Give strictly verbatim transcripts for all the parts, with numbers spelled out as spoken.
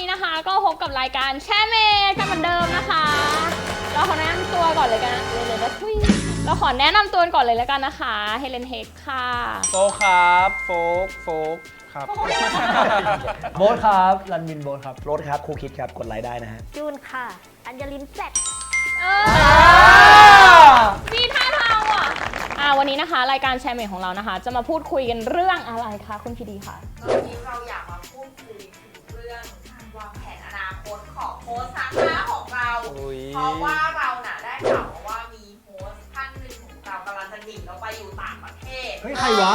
นะคะก็พบกับรายการแช่เมย์กันเหมือนเดิมนะคะเราขอแนะนำตัวก่อนเลยกันเลยเลยนะทุยเราขอแนะนำตัวก่อนเลยแล้วกันนะคะเฮเลนเฮกค่ะโฟครับโฟกโฟกครับโบ๊ทครับรันวินโบ๊ทครับรถครับครูคิดครับกดไลค์ได้นะฮะจูนค่ะ อัญญลินแซดเออมีท่าทางว่ะอ่าวันนี้นะคะรายการแชร์เมย์ของเรานะคะจะมาพูดคุยกันเรื่องอะไรคะคุณพีดีค่ะวันนี้เราอยากมาพูดคุยถึงเรื่องการวางแผนอนาคตของโฮสต์สาขาของเรา เพราะว่าเราน่ะได้ข่าวมาว่ามีโฮสต์ท่านหนึ่งของเรากำลังจะหนีเราไปอยู่ต่างประเทศเฮ้ยใครวะ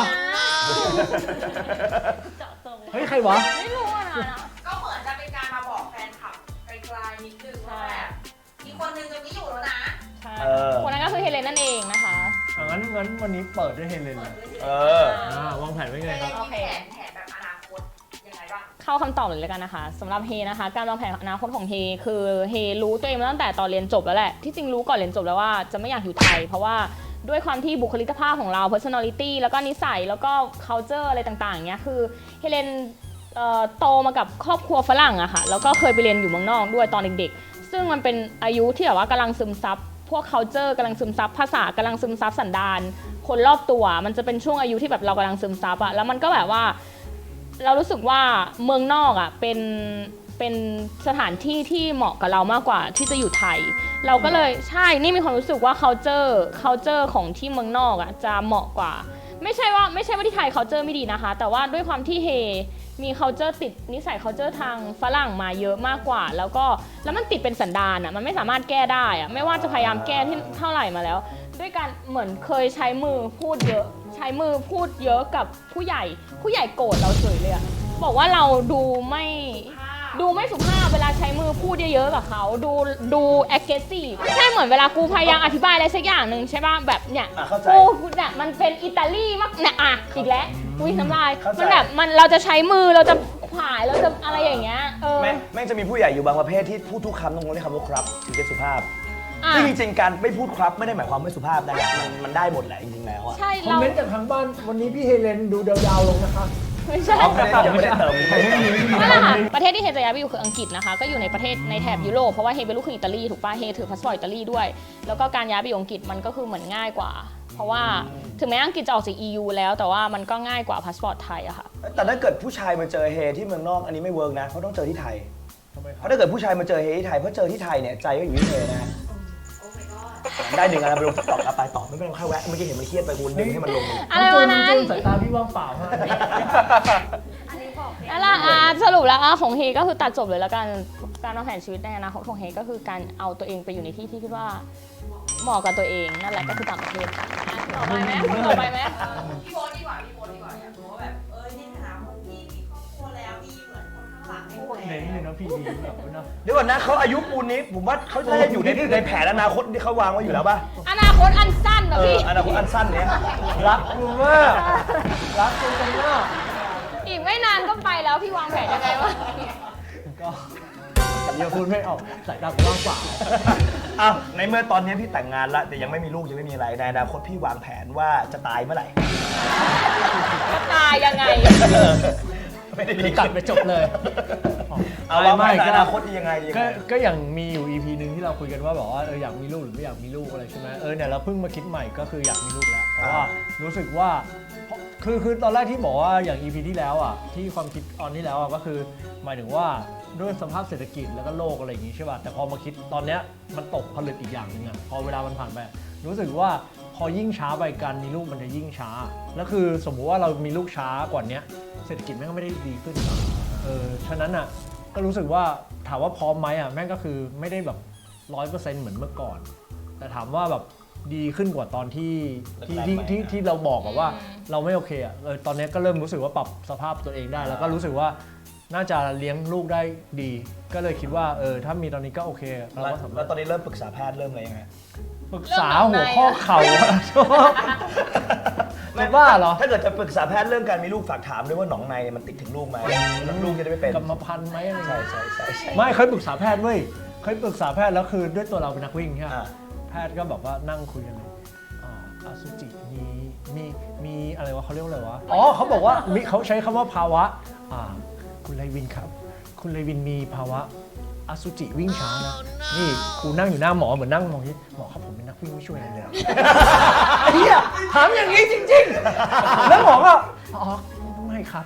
เจาะจงเฮ้ยใครวะไม่รู้อ่ะนะก็เหมือนจะเป็นการมาบอกแฟนคลับไกลๆนิดนึงว่าแบบมีคนหนึงจะไม่อยู่แล้วนะใช่คนนั้นก็คือเฮเลนนั่นเองนะคะอ่ะงั้นงั้นวันนี้เปิดด้วยเฮเลนเลยเอออ่าวางแผนไว้ไงเฮเลครับนมีแผนแผนแบบอนาคตยังไงบ้างเข้าคำตอบเลยแล้วกันนะคะสำหรับเฮนะคะการวางแผนอนาคตของเฮคือเฮรู้ตัวเองมาตั้งแต่ตอนเรียนจบแล้วแหละที่จริงรู้ก่อนเรียนจบแล้วว่าจะไม่อยากอยู่ไทยเพราะว่าด้วยความที่บุคลิกภาพของเรา personality แล้วก็นิสัยแล้วก็ culture อะไรต่างๆเงี้ยคือเฮเลนเอ่อโตมากับครอบครัวฝรั่งอะค่ะแล้วก็เคยไปเรียนอยู่เมืองนอกด้วยตอนเด็กๆซึ่งมันเป็นอายุที่แบบว่ากำลังซึมซับพวก culture กำลังซึมซับภาษากำลังซึมซับสันดานคนรอบตัวมันจะเป็นช่วงอายุที่แบบเรากำลังซึมซับอะแล้วมันก็แบบว่าเรารู้สึกว่าเมืองนอกอ่ะเป็นเป็นสถานที่ที่เหมาะกับเรามากกว่าที่จะอยู่ไทย เราก็เลยใช่นี่มีความรู้สึกว่า culture culture ของที่เมืองนอกอ่ะจะเหมาะกว่าไม่ใช่ว่าไม่ใช่ว่าที่ไทย culture ไม่ดีนะคะแต่ว่าด้วยความที่เฮมี culture ติดนิสัย culture ทางฝรั่งมาเยอะมากกว่าแล้วก็แล้วมันติดเป็นสันดานอ่ะมันไม่สามารถแก้ได้อ่ะไม่ว่าจะพยายามแก้ที่เท่าไหร่มาแล้วด้วยการเหมือนเคยใช้มือพูดเยอะใช้มือพูดเยอะกับผู้ใหญ่ผู้ใหญ่โกรธเราเฉยเลยอะบอกว่าเราดูไม่ดูไม่สุภาพเวลาใช้มือพูดเยอะๆกับเขาดูดู aggressive ใช่เหมือนเวลากูพยายามอธิบายอะไรสักอย่างหนึ่งใช่ป่ะแบบเนี่ยอ่ะเข้าใจกูเนี่ยมันเป็นอิตาลีมากเนี่ยอ่ะอีกแล้วอุ้ยน้ำลายเข้าใจมันแบบมันเราจะใช้มือเราจะผายเราจะอะไรอย่างเงี้ยเออแม่งแม่งจะมีผู้ใหญ่อยู่บางประเภทที่พูดทุกคำต้องเรียกคำว่าครับถึงจะสุภาพอ่ะซึ่งจริงๆการไม่พูดครับไม่ได้หมายความไม่สุภาพนะมันมันได้หมดแหละจริงๆแล้วอะใช่คอมเราเมนต์จากทางบ้านวันนี้พี่เฮเลนดูดาวๆลงนะคะไม่ใช่อ๋อไม่ได้ยังไม่ได้เติมไม่ได้เติมนั่นแหละค่ะประเทศที่เฮจะย้ายไปอยู่คืออังกฤษนะคะก็อยู่ในประเทศในแถบยุโรปเพราะว่าเฮเป็นลูกครึ่งอิตาลีถูกป่ะเฮถือพาสปอร์ตอิตาลีด้วยแล้วก็การย้ายไปอยู่อังกฤษมันก็คือเหมือนง่ายกว่า เพราะว่าถึงแม้อังกฤษจะออกจาก อี ยู แล้วแต่ว่ามันก็ง่ายกว่าพาสปอร์ตไทยอะค่ะแต่ถ้าเกิดผู้ชายมาเจอเฮที่เมืองนอกอันนี้ไม่เวิร์กนะเพราะต้องเจอที่ไทยทำไมคเพรับราะถ้าเกิดผู้ชายมาเจอเฮที่ไทยเพราะเจอที่ไทยเนี่ยใจก็อยู่ที่เฮนะฮะได้หนึ่งอันไปลงตอบไปตอบไม่เป็นไรค่อยแวะเมื่อกี้เห็นมันเครียดไปคุณดึงให้มันลงอะไรจูวะนนั้นจูนสายตาพี่ว่างเปล่าฮะนั่นแหละอ่ะสรุปแล้วอ่ะของเฮก็คือตัดจบเลยแล้วกันการวางแผนชีวิตในอนาคตของเฮก็คือการเอาตัวเองไปอยู่ในที่ที่คิดว่าเหมาะกับตัวเองนั่นแหละก็คือต่างประเทศค่ะต่อไปไหมต่อไปไหมพี่โบ๊ทดีกว่าพี่โบ๊ทดีกว่าอยากรู้ว่าแบบเออในฐานะคนที่มีครอบครัวแล้วมีเหมือนคนข้างหลังให้ดูแลเน้นเลยนะพี่ดีแบบนะเดี๋ยวก่อนนะเขาอายุปูนนี้ผมว่าเขาน่าจะอยู่ในในแผนอนาคตที่เขาวางไว้อยู่แล้วป่ะอนาคตอันสั้นนะเออพี่อนาคตอันสั้นเนี้ยรักคุณมากรักคุณกันมากอีกไม่นานก็ไปแล้วพี่วางแผนยังไงวะก็อย่าพูดไม่ออกสายตาผมว่างเปล่าอ้าวในเมื่อตอนนี้พี่แต่งงานละแต่ยังไม่มีลูกยังไม่มีอะไรในอนาคตพี่วางแผนว่าจะตายเมื่อไหร่จะตายยังไงไม่ได้เดี๋ดียวตัดไปจบเลยเอาวางแผนอนาคตยังไงยังก็ไงก็อย่างมีอยู่ อี พี หนึ่งที่เราคุยกันว่าแบบว่าเอออยากมีลูกหรือไม่อยากมีลูกอะไรใช่ไหมเออเนี่ยเราเพิ่งมาคิดใหม่ก็คืออยากมีลูกแล้วเพราะว่ารู้สึกว่าเพราะคือคือตอนแรกที่บอกว่าอย่าง อี พี ที่แล้วอ่ะที่ความคิดตอนที่แล้วอ่ะก็คือหมายถึงว่าด้วยสภาพเศรษฐกิจแล้วก็โลกอะไรอย่างงี้ใช่ป่ะแต่พอมาคิดตอนเนี้ยมันตกผลึกอีกอย่างหนึ่งอ่ะพอเวลามันผ่านไปรู้สึกว่าพอยิ่งช้าไปการมีลูกมันจะยิ่งช้าแล้วคือสมมุติว่าเรามีลูกช้ากว่านี้เศรษฐกิจแม่งก็ไม่ได้ดีขึ้นเออฉะนั้นอ่ะก็รู้สึกว่าถามว่าพร้อมไหมอ่ะแม่งก็คือไม่ได้แบบร้อยเปอร์เซ็นต์เหมือนเมื่อก่อนแต่ถามว่าแบบดีขึ้นกว่าตอนที่ที่ที่ที่ที่เราบอกอะว่าเราไม่โอเคอ่ะเออตอนนี้ก็เริ่มรู้สึกว่าปรับสภาพตัวเองได้แล้วก็รู้สึกว่าน่าจะเลี้ยงลูกได้ดี ก็เลยคิดว่าเออถ้ามีตอนนี้ก็โอเคเราแล้วก็สามารแล้ถวตอนนี้เริ่มปรึกษาแพทย์เริ่มอะไรยังไงปรึกษาหัวข้อเข่าอะชอบจะบ้าเหรอถ้าเกิดจะปรึกษาแพทย์เรื่องการมีลูกฝากถามด้วยว่าหนองในมันติดถึงลูกไหมแล้วลูกจะได้ไม่เป็นกรรมพันธุ์ไหมอะไรใช่เงี้ยใช่ใช่ใช่ไม่เคยปรึกษาแพทย์เว้ยเคยปรึกษาแพทย์แล้วคือด้วยตัวเราเป็นนักวิ่งใช่ไหมอ่าแพทย์ก็แบบว่านั่งคุยกันเลยอ่าอสุจิมีมีมีอะไรวะเขาเรียกว่าอะไรวะอ๋อเขาบอกว่ามีเขาใช้คำว่าภาวะอ่าคุณไรวินครับ คคุณเลวินมีภาวะอสุจิวิ่งช้านะ นี่ครูนั่งอยู่หน้าหมอเหมือนนั่งมองที่หมอครับผมเป็นนักวิ่งไม่ช่วยอะไรเลยอะไอ้เหี้ยถามอย่างนี้จริงๆ แล้วหมอก็อ๋อไม่ครับ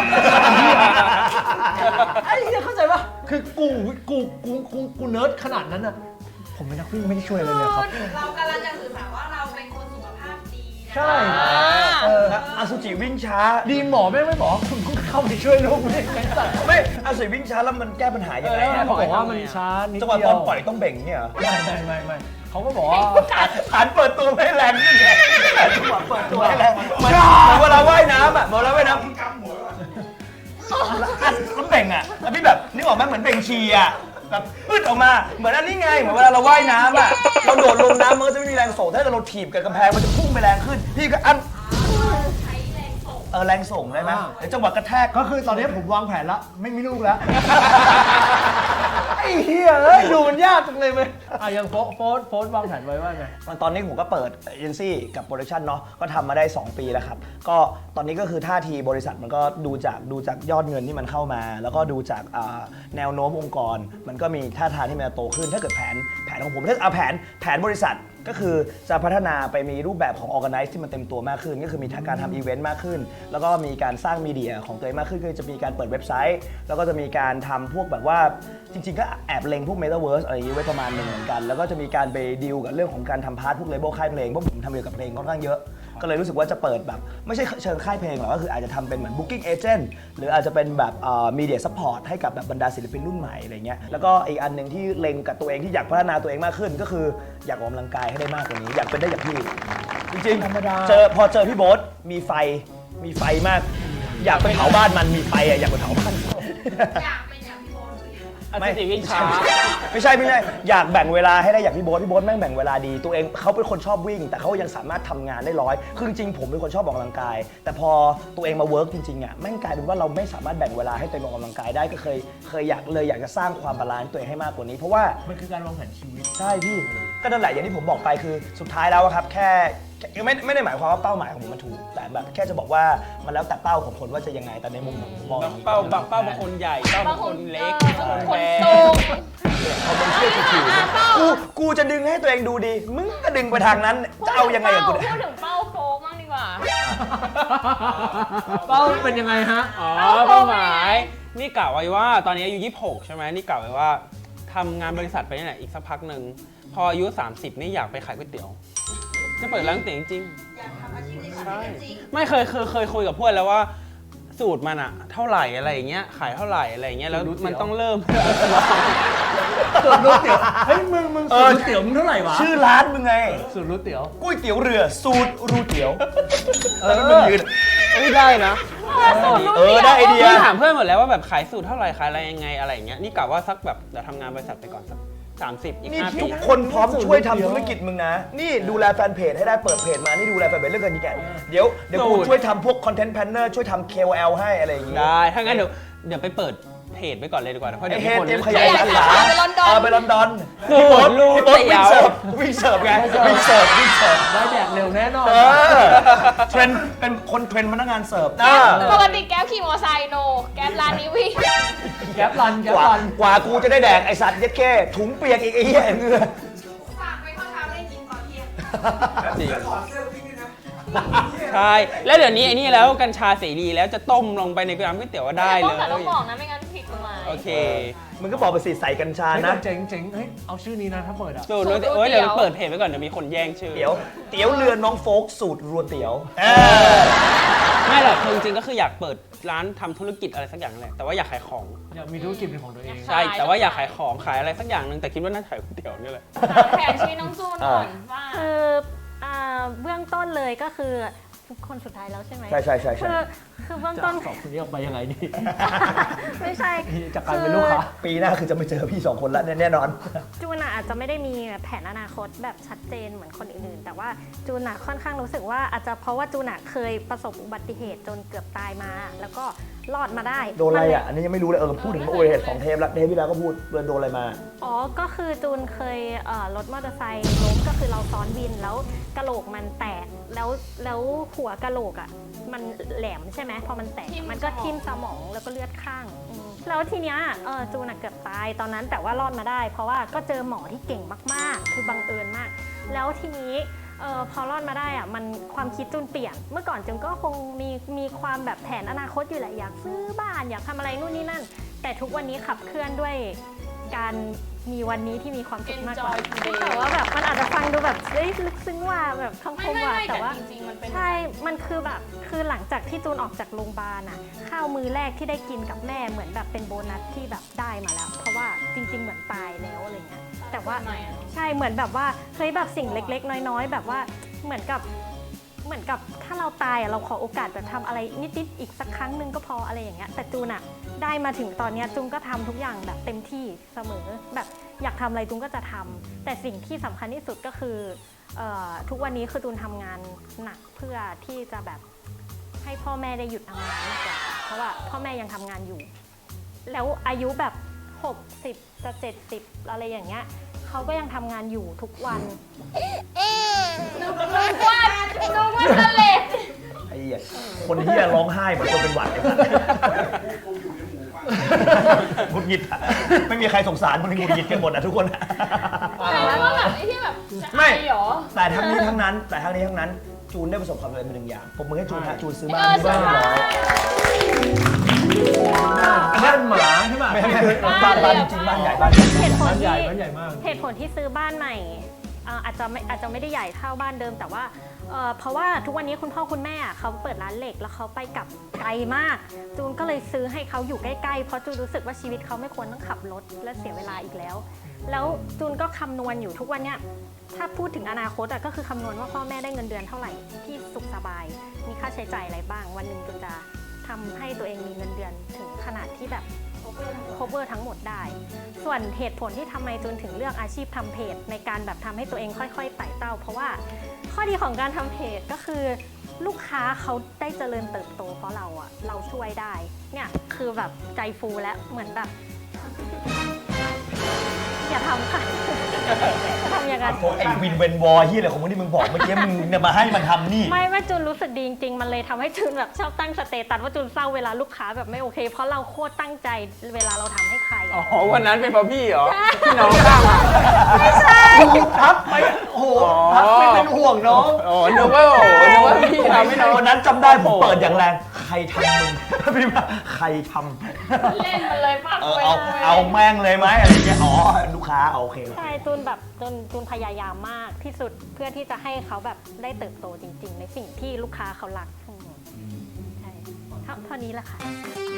ไอ้เหี้ยเข้าใจปะคือกูกูกูกูกูเนิร์ดขนาดนั้นอะผมเป็นนักวิ่งไม่ได้ช่วยอะไรเลยครับเรากำลังจะสื่อสารว่าเราเป็นคนสุขภาพดีนะใช่เอออสุจิวิ่งช้าดีหมอแม่งไม่บอกคุณก็เข้าไปช่วยลูกไม่ไอ้สัตว์ไม่อสุจิวิ่งช้าแล้วมันแก้ปัญหายังไงแล้วอะเขาบอกว่ามันช้านิดจังหวะเดียตอวนปล่อยต้องเบ่งเนี่ยเหรอไม่ไม่ไม่ไม่เขาก็บอกว่าฐานเปิดตัวไม่ให้แรงขึ้นไงจังหวะเปิดตัวให้แรงเหมือนเหมือนเวลาว่ายน้ำอ่ะเหมือนเวลาว่ายน้ำแล้วเบ่งอ่ะแล้วพี่แบบนึกออกไหมเหมือนเบ่งชีอ่ะแบบพืดออกมาเหมือนอันนี้ไงเหมือนเวลาเราว่ายน้ำอ่ะเราโดดลงน้ำมันก็จะไม่มีแรงส่งถ้าเราถีบกับกำแพงมันจะพุ่งไปแรงขึ้นพี่ก็อันใช้แรงส่งเออแรงส่งได้ไหมเดี๋ยวจังหวะกระแทกก็คือตอนนี้ผมวางแผนแล้วไม่มีลูกแล้ว ไอ้เหี้ยเอ้ยดูมันยากจังเลยเว้ยอ่ะยังโฟโฟสโฟสวางแผนไว้ว่าไงตอนนี้ผมก็เปิดเอเจนซี่กับโปรดักชันเนาะก็ทำมาได้สองปีแล้วครับก็ตอนนี้ก็คือท่าทีบริษัทมันก็ดูจากดูจากยอดเงินที่มันเข้ามา แล้วก็ดูจากอ่าแนวโน้มองค์กร มันก็มีท่าทางที่มันจะโตขึ้นถ้าเกิดแผนแผนของผมถ้าเอาแผนแผนบริษัทก็คือจะพัฒนาไปมีรูปแบบของ Organize ที่มันเต็มตัวมากขึ้น ก็คือมีการทำอีเวนต์มากขึ้น แล้วก็มีการสร้างมีเดียของตัวเองมากขึ้นก็จะมีการเปิดเว็บไซต์ แล้วก็จะมีการทำพวกแบบว่าจริงๆ ก็แอบเล็งพวก Metaverse อะไรอย่างนี้ไว้ประมาณหนึ่งเหมือนกัน แล้วก็จะมีการไปดีลกับเรื่องของการทำพาร์ทพวกเลเบลค่ายเพลงเพราะผมทำเกี่ยวกับเพลงค่อนข้างเยอะ ก็เลยรู้สึกว่าจะเปิดแบบไม่ใช่เชิงค่ายเพลงหรอกก็คืออาจจะทำเป็นเหมือน Booking Agent หรืออาจจะเป็นแบบมีเดียซัพพอร์ตให้กับแบบบรรดาศิลปินรุ่นใหม่อะไรเงี้ยแล้วก็อีกอันหนึ่งที่เล็งกับตัวเองที่อยากพัฒนาตัวเองมากขึ้น ก็คืออยากออกกำลังกายให้ได้มากกว่านี้ อยากเป็นได้อย่างพี่จริงๆธรรมดาเจอพอเจอพี่โบ๊ทมีไฟมีไฟมาก อยากไปเผาบ้านมันมีไฟอะอยากไปเผาบ้านอยากเป็นอย่างพี่โบหรือยังอสุจิวิ่งช้าไม่ใช่ไม่ใช่อยากแบ่งเวลาให้ได้อย่างพี่โบ๊ทพี่โบ๊ทแม่งแบ่งเวลาดีตัวเองเขาเป็นคนชอบวิ่ง แต่เขายังสามารถทำงานได้ร้อยคือจริงๆผมเป็นคนชอบออกกำลังกาย แต่พอตัวเองมาเวิร์กจริงๆอ่ะแม่งกลายเป็นว่าเราไม่สามารถแบ่งเวลาให้ตัวเองออกกำลังกายได้ก็เคยเคยอยากเลยอยากจะสร้างความบาลานซ์ตัวเองให้มากกว่านี้ เพราะว่ามันคือการวางแผนชีวิตใช่พี่ก็นั่นแหละอย่างที่ผมบอกไปคือสุดท้ายแล้วอะครับแค่แค่ไม่ไม่ได้หมายความว่าเป้าหมายของผมมันถูกแต่แบบแค่จะบอกว่ามันแล้วแต่เป้าของคนว่าจะยังไงแต่ในมุมของผมมองอย่างนี้เป้าบางเป้าบางคนใหญ่เป้าบางคนเล็กบางบางคคน นแบสูงเอาเป็นเชื่อถือกูกูจะดึงให้ตัวเองดูดี มึงก็ดึงไปทางนั้น จะเอายังไงกับกูพูเนี่ยดถึงเป้าโฟกบ้างดีกว่าเป้าเป็นยังไงฮะอ๋อเป้าหมาย นี่กล่าวไว้ว่าตอนนี้อายุยี่สิบหกใช่ไหมนี่กล่าวไว้ว่าทำงานบริษัทไปนี่แหละอีกสักพักหนึ่งพออายุสามสิบนี่อยากไปขายก๋วยเตี๋ยว จะเปิดร้านก๋วยเตี๋ยวจริงอยากทำอาชีพในๆชีใช่วิตจริงไม่เคยเคยเคยคุยกับเพื่อนแล้วว่าสูตรมันอะเท่าไหร่อะไรอย่างเงี้ยขายเท่าไหร่อะไรอย่างเงี้ยแล้วมันต้องเริ่มสูตรรู้เตี๋ยว เฮ้ยมึงมึงสูตรรู้เตี๋ยวมึงเท่าไหร่วะชื่อร้านมึงไงสูตรรู้เตี๋ยวก๋วยเตี๋ยวเรือสูตรรูเตี๋ยวแล้วมันยืนไม่ได้นะเออได้ไอเดียพี่ถามเพื่อนหมดแล้วว่าแบบขายสูตรเท่าไหร่ขายอะไรยังไงอะไรอย่างเงี้ยนี่กะว่าสักแบบเดี๋ยวทำงานบริษัทไปก่อนสักสามสิบอีกนี่ห้าปีทุกคนพร้อมช่วยทำธุรกิจมึงนะ นี่ดูแลแฟนเพจให้ได้เปิดเพจมา นี่ดูแลแฟนเพจเรื่องเงินยีแกเดี๋ยวเดี๋ยวกูช่วยทำพวกคอนเทนต์แพลนเนอร์ช่วยทำ เค โอ แอล ให้อะไรอย่างงี้ได้ถ้างั้นเดี๋ยวเดี๋ยวไปเปิดเพจไปก่อนเลยดีกว่าเพราะไอเดี๋ยวเฮมีดคนเตรียมขยายสาขาไปลอนดอนเออไปลอนดอนสูตรรูพี่โบ๊ทเตี๋วิ่ยงวเสิร์ฟวิ่งเสิร์ฟไงวิ่งเสิร์ฟวิ่งเสิร์ฟได้แดกเร็วแน่นอนเออเทรนด์เป็นคนเทรนด์พนักงานเสิร์ฟนะปกติแก๊ปขี่มอเตอร์ไซค์โน แก๊ปร้านนี้วิ่งแก๊ปรันแก๊กปว่ารันกว่ากูจะได้แดกไอสัตว์เย็ดแค่ถุงเปียกอีกไอ้เหี้ยเหงื่อฝากไว้ข้าวเช้าได้กินตอนเที่ยงจริงใช่แล้วเดี๋ยวนี้ไอ้นี่แล้วกัญชาเสรีแล้วจะต้มลงไปในน้ำก๋วยเตี๋ยวก็ได้เลแต่ต้องยบอกนะไม่งั้นผิดกฎหมายโอเคมึงก็บอกไปสิใส่กัญชาเฮ้ยนะเจ๋งเจ๋งเฮ้ยเอาชื่อนี้นะถ้าเปิดอ่ะสูตรรูเตี๋ยวเอ้ยเดี๋ยวเปิดเพจไว้ก่อนเดี๋ยวมีคนแย่งชื่อเตี๋ยวเตี๋ยวเรือน้องโฟกสูตรรัวเตี๋ยวไม่หรอกคือจริงๆก็คืออยากเปิดร้านทำธุรกิจอะไรสักอย่างแหละแต่ว่าอยากขายของอยากมีธุรกิจเป็นของตัวเองใช่แต่ว่าอยากขายของขายอะไรสักอย่างหนึ่งแต่คิดว่าน่าจะขายก๋วยเตี๋ยวนี่แหละแผนชีวิตน้องจูนก่อนว่าคืออ่าเบื้องต้นเลยก็คือคนสุดท้ายแล้วใช่ไหมใช่ใช่ใช่ใช่คือคือเบื้องจะต้นสอบคนนี้ออกไปยังไงดีไม่ใช่จากการเป็นลูกค้าปีหน้าคือจะไม่เจอพี่สองคนละแน่นอนจูนอะอาจจะไม่ได้มีแผนอนาคตแบบชัดเจนเหมือนคนอื่นๆ แต่ว่าจูนอะค่อนข้างรู้สึกว่าอาจจะเพราะว่าจูนอะเคยประสบอุบัติเหตุจนเกือบตายมา แล้วก็รอดมาได้โดนอะไรมัเลยอ่ะ อันนี้ยังไม่รู้เลย เออ พูดถึงอุบัติเหตุสองเทปแล้ว เทปที่แล้วก็พูดโดนอะไรมาอ๋อ ก็คือจูนเคยเอ่อรถมอเตอร์ไซค์ล้มก็คือเราซ้อนวินแล้วกะโหลกมันแตกแล้วแล้วหัวกะโหลกอ่ะมันแหลมใช่ไหมพอมันแตกทิ่มมันก็สมองทิ่มสมองแล้วก็เลือดข้างอืมแล้วทีเนี้ยเออจูนอะเกือบตายตอนนั้นแต่ว่ารอดมาได้ เพราะว่าก็เจอหมอที่เก่งมากๆ คือบังเอิญมาก แล้วทีนี้เออพอรอดมาได้อะมันความคิดจูนเปลี่ยน เมื่อก่อนจูนก็คงมีมีความแบบแผนอนาคตอยู่แหละอยากซื้อบ้านอยากทำอะไรนู่นนี่นั่น แต่ทุกวันนี้ขับเคลื่อนด้วยการมีวันนี้ที่มีความสุขมากกว่า Enjoy today แต่ว่าแบบมันอาจจะฟังดูแบบเฮ้ยลึกซึ้งว่าแบบคำคไม่มไม่ว่าไม่แต่แต่ว่าจริงๆมันเป็นใช่ มันคือแบบ คือหลังจากที่จูนออกจากโรงพยาบาลอะข้าวมือแรกที่ได้กินกับแม่เหมือนแบบเป็นโบนัสที่แบบได้มาแล้ว เพราะว่าจริง ๆ เหมือนตายแล้วอะไรเงี้ย แต่ว่าทำไมอะใช่ เหมือนแบบว่าเฮ้ยแบบสิ่งเล็ก ๆ น้อย ๆ แบบว่าเหมือนกับ เหมือนกับถ้าเราตายอะเราขอโอกาสแบบทำอะไรนิดๆอีกสักครั้งหนึ่งก็พออะไรอย่างเงี้ย แต่จูนอะได้มาถึงตอนเนี้ยจูนก็ทำทุกอย่างแบบเต็มที่เสมอ แบบอยากทำอะไรจูนก็จะทำแต่สิ่งที่สำคัญที่สุดก็คือเอ่อทุกวันนี้คือจูนทำงานหนักเพื่อที่จะแบบให้พ่อแม่ได้หยุดทำงานมากกว่าเพราะว่าพ่อแม่ยังทำงานอยู่ แล้วอายุแบบหกสิบจะเจ็ดสิบอะไรอย่างเงี้ยเขาก็ยังทำงานอยู่ทุกวันนึกว่านึกว่าทะเลไอ้เหี้ยคนเหี้ยร้องไห้เหมือนคนเป็นหวัดเลยมุดหงิดอะไม่มีใครสงสารมันหงุดหงิดกันหมดอะทุกคนอะแต่ว่าแบบไอ้ที่แบบจะไม่อายเหรอแต่ทั้งนี้ทั้งนั้น แต่ทั้งนี้ทั้งนั้น จูนได้ประสบความสำเร็จมาหนึ่งอย่างผมมือให้จูนฮะจูนซื้อบ้านเออที่บ้านใช่ร้อยบ้านหมาใช่ป่ะไม่ไม่ไม่บ้านบ้านจริงๆบ้านใหญ่บ้านใหญ่เหตุผลบ้านใหญ่ที่บ้านใหญ่มากเหตุผลที่ซื้อบ้านใหม่เอ่ออาจจะไม่อาจจะไม่ได้ใหญ่เท่าบ้านเดิม แต่ว่าเอ่อเพราะว่าทุกวันนี้คุณพ่อคุณแม่อะเขาเปิดร้านเหล็กแล้วเขาไปกลับไกลมาก จูนก็เลยซื้อให้เขาอยู่ใกล้ๆเพราะจูนรู้สึกว่าชีวิตเขาไม่ควรต้องขับรถและเสียเวลาอีกแล้ว แล้วจูนก็คำนวณอยู่ทุกวันเนี้ยถ้าพูดถึงอนาคตอะก็คือคำนวณว่าพ่อแม่ได้เงินเดือนเท่าไหร่ที่สุขสบาย มีค่าใช้จ่ายอะไรบ้าง วันหนึ่งจูนจะทำให้ตัวเองมีเงินเดือนถึงขนาดที่แบบ cover ทั้งหมดได้ ส่วนเหตุผลที่ทำไมจูนถึงเลือกอาชีพทำเพจในการแบบทำให้ตัวเองค่อยๆไต่เต้า เพราะว่าข้อดีของการทำเพจก็คือลูกค้าเขาได้เจริญเติบโตเพราะเราอะเราช่วยได้ เนี่ยคือแบบใจฟูแล้วเหมือนแบบ อย่าทำค่ะ จะทำอย่างนั้นไอ้วินเวนวอร์ที่อะไรของมึงที่มึงบอกเมื่อกี้มึงเนี่ยมาให้มันทำนี่ไม่ไม่จูนรู้สึกดีจริงๆ มันเลยทำให้จูนแบบชอบตั้งสเตตัสว่าจูนเศร้าเวลาลูกค้าแบบไม่โอเค เพราะเราโคตรตั้งใจเวลาเราทำให้ใครอ๋อะอวันนั้นเป็นเพราะพี่เหรอพี่น้องข้างมาทับไปโอ้โหทับไม่เป็นห่วงน้องอ๋อนึกว่าโอ้โหนึกว่าพี่ทำให้น้องวันนั้นจำได้ผมเปิดอย่างแรงใครทำมึงพี่ว่าใครทเล่นมันเลยปากำเออไปเอาเลยเอาแม่งเลยไหมอะไรเงี้ยอ๋อลูกค้าโอเคใช่จูนแบบจูนจูนพยายามมากที่สุดเพื่อที่จะให้เขาแบบได้เติบโตจริง ๆ ในสิ่งที่ลูกค้าเขารักอืมใช่เท่าเท่านี้แหละค่ะ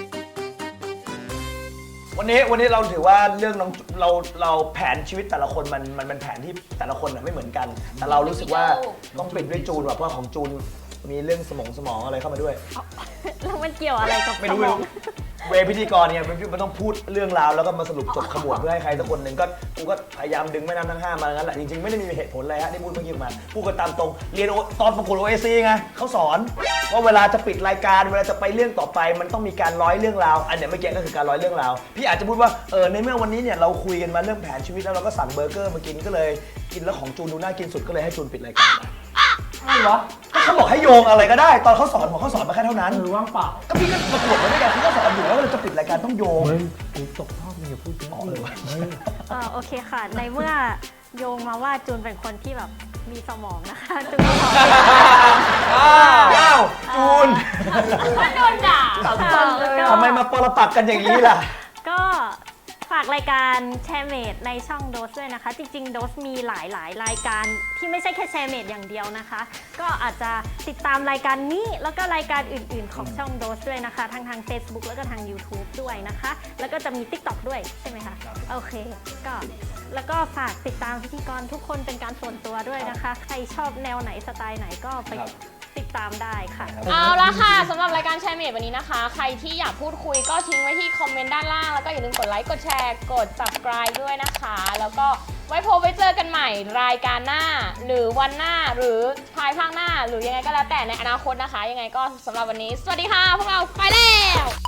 วันนี้วันนี้เราถือว่าเรื่องน้องเราเราแผนชีวิตแต่ละคนมันมันเป็นแผนที่แต่ละคนน่ะไม่เหมือนกัน แต่เรารู้สึกว่าต้องปิดด้วยจูนว่ะเพราะว่าของจูนมีเรื่องสมองสมองอะไรเข้ามาด้วยแล้วมันเกี่ยวอะไรกับไม่รู้สไม่มอรู้งเวพิธีกรเนี่ยมันต้องพูดเรื่องราวแล้วก็มาสรุปจบขมวดเพื่อให้ใครสักคนหนึ่งก็กูก็พยายามดึงแม่น้ำทั้งห้ามางั้นแหละจริงๆไม่ได้มีเหตุผลอะไรฮะที่พูดเมื่อกี้มาพูดกันตามตรงเรียนตอนประกวด โอ เอ ซี ไงเขาสอนว่าเวลาจะปิดรายการเวลาจะไปเรื่องต่อไป มันต้องมีการร้อยเรื่องราวอันเนี้ยเมื่อกี้ก็คือการร้อยเรื่องราวพี่อาจจะพูดว่าเออในเมื่อวันนี้เนี่ยเราคุยกันมาเรื่องแผนชีวิตแล้วเราก็สั่งเบอร์เกอร์มากินก็เลยกินแล้วของจูนดูน่ากินสุดก็เลยให้จูนปิดรายการอะไรวะก็เขาบอกให้โยงอะไรก็ได้ ตอนเขาสอนผมเขาสอนมาแค่เท่านั้นเออว่างเปล่าก็พี่ก็ประกวดมาด้วยกันพี่ก็สอนอยู่แล้วว่าเราจะปิดรายการต้องโยงเฮ้ยกูตกรอบมึงอย่าพูดเยอะอ๋อเลยวะเฮ้ยเออโอเคค่ะ ในเมื่อโยงมาว่าจูนเป็นคนที่แบบมีสมองนะคะจูนก็ขออ้าวจูนมันโดนด่าค่ะแล้วก็ทำไมมาปรปักกันอย่างนี้ล่ะก็ฝากรายการแชร์เมดในช่องโดสด้วยนะคะ จริงๆโดสมีหลายหลายรายการที่ไม่ใช่แค่แชร์เมดอย่างเดียวนะคะ ก็อาจจะติดตามรายการนี้แล้วก็รายการอื่นๆ ของช่องโดสด้วยนะคะทั้งทาง Facebook แล้วก็ทาง YouTube ด้วยนะคะ แล้วก็จะมี TikTok ด้วยใช่ไหมคะโอเคก็แล้วก็ฝากติดตามพิธีกรทุกคนเป็นการส่วนตัวด้วยนะคะ ใครชอบแนวไหนสไตล์ไหนก็ไปครับติดตามได้ค่ะเอาละค่ะสำหรับรายการแชร์เมดวันนี้นะคะ ใครที่อยากพูดคุยก็ทิ้งไว้ที่คอมเมนต์ด้านล่าง แล้วก็อย่าลืมกดไลค์กดแชร์กด subscribe ด้วยนะคะ แล้วก็ไว้พบไว้เจอกันใหม่รายการหน้า หรือวันหน้าหรือภายภาคหน้า หรือยังไงก็แล้วแต่ในอนาคตนะคะ ยังไงก็สำหรับวันนี้ สวัสดีค่ะ พวกเราไปแล้ว